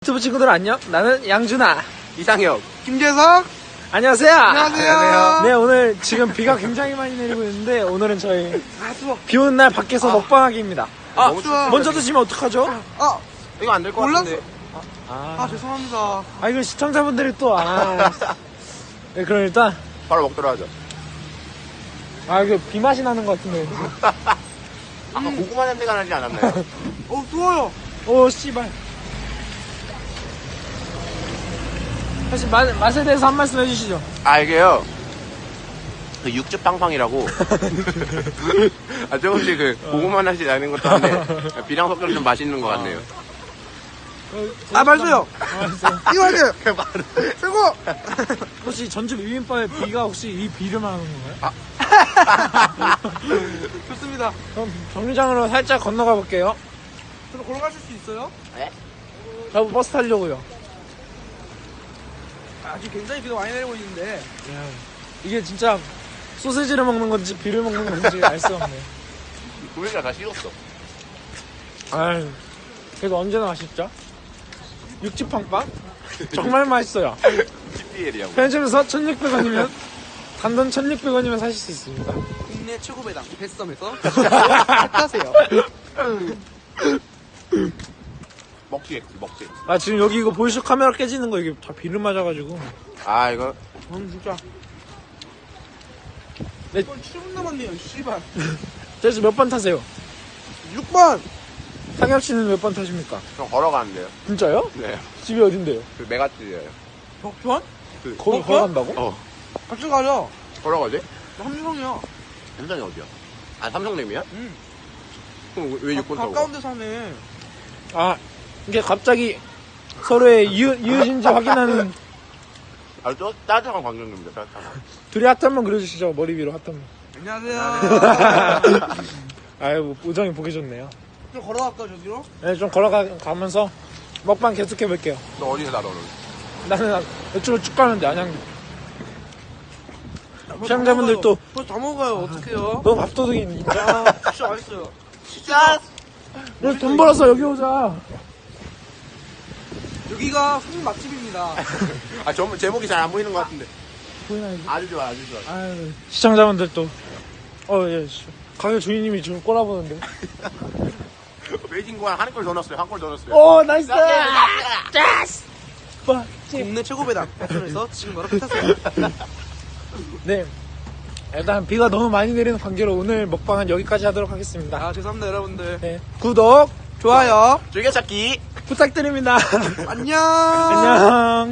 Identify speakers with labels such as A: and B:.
A: 유튜브 친구들 안녕. 나는 양준아,
B: 이상혁,
C: 김재석.
A: 안녕하세요.
C: 안녕하세요.
A: 네, 오늘 지금 비가 굉장히 많이 내리고 있는데 오늘은 저희
C: 추워.
A: 비 오는 날 밖에서 먹방하기입니다.
B: 너무
C: 추워.
A: 먼저 드시면 어떡하죠?
B: 이거 안 될 것
C: 몰랐어.
B: 같은데.
C: 죄송합니다.
A: 이거 시청자분들이 또 네, 그럼 일단
B: 바로 먹도록 하죠.
A: 이거 비 맛이 나는 것 같은데.
B: 아까 고구마 냄새가 나지 않았나요?
C: 추워요.
A: 오 씨발. 사실 맛에 대해서 한 말씀 해주시죠.
B: 이게요. 그 육즙팡팡이라고. 조금씩 고구마 맛이 나는 것도 한데 비랑 섞여서 좀 맛있는 것 같네요.
C: 맛있어요.
A: 맛있어요.
C: 이거하게 최고.
A: 혹시 전주 비빔밥에 비가 혹시 이 비를 말하는 건가요?
C: 좋습니다.
A: 그럼 정류장으로 살짝 건너가 볼게요.
C: 저도 걸어가실 수 있어요?
B: 네?
A: 저 버스 타려고요.
C: 지금 굉장히 비가 많이 내리고 있는데.
A: 이게 진짜 소세지를 먹는 건지 비를 먹는 건지 알 수 없네.
B: 우리가 다 식었어.
A: 아유, 그래도 언제나 맛있죠? 육즙빵빵? 정말 맛있어요.
B: TPL이라고.
A: 편의점에서 1,600원이면 단돈 1,600원이면 사실 수 있습니다.
C: 국내 최고 배당 뱃섬에서 하세요.
B: 먹지.
A: 지금 여기 이거 보이시죠? 카메라 깨지는 거 이게 다 비를 맞아가지고.
B: 이거.
C: 진짜.
A: 네.
C: 7분 남았네요. 씨발.
A: 그래서 몇 번 타세요?
C: 6번.
A: 상혁 씨는 몇 번 타십니까?
B: 좀 걸어가는데요.
A: 진짜요?
B: 네.
A: 집이 어딘데요?
B: 그 메가트예요.
C: 벽편?
A: 거기 걸어간다고?
C: 같이 가죠.
B: 걸어가지?
C: 나 함유성이야.
B: 삼성이 어디야? 삼성님이야?
C: 응.
B: 그럼 왜 6번 타고?
C: 가까운 데 사네.
A: 이게 갑자기 서로의 이웃인지 확인하는.
B: 또 따뜻한 광경입니다. 따뜻한.
A: 둘이 하트 한번 그려주시죠. 머리 위로 하트 한번.
C: 안녕하세요.
A: 뭐 우정이 보기 좋네요.
C: 좀 걸어갈까 저기로?
A: 네, 좀 걸어가면서 먹방 계속해볼게요.
B: 너 어디서 살아, 너는?
A: 나는 이쪽으로 쭉 가는데 안양도. 시청자분들도
C: 다 먹어요. 어떡해요?
A: 너 밥도둑이 진짜.
C: 진짜 맛있어요.
B: 진짜?
A: 우리 돈 벌어서 여기 오자.
C: 여기가 손님 맛집입니다.
B: 제목이 잘 안 보이는 것 같은데.
A: 보이나 이거?
B: 아주 좋아.
A: 아유, 시청자분들도 예, 가게 주인님이 지금 꼬라보는데.
B: 베이징 공항 한 골 더 넣었어요. 한 골 더 넣었어요.
A: 나이스.
C: 국내 최고 배당 뱃섬에서 지금 바로 타세요.
A: 네, 일단 비가 너무 많이 내리는 관계로 오늘 먹방은 여기까지 하도록 하겠습니다.
C: 죄송합니다 여러분들.
A: 네, 구독,
C: 좋아요.
B: 즐겨찾기.
A: 부탁드립니다.
C: 안녕.
A: 안녕.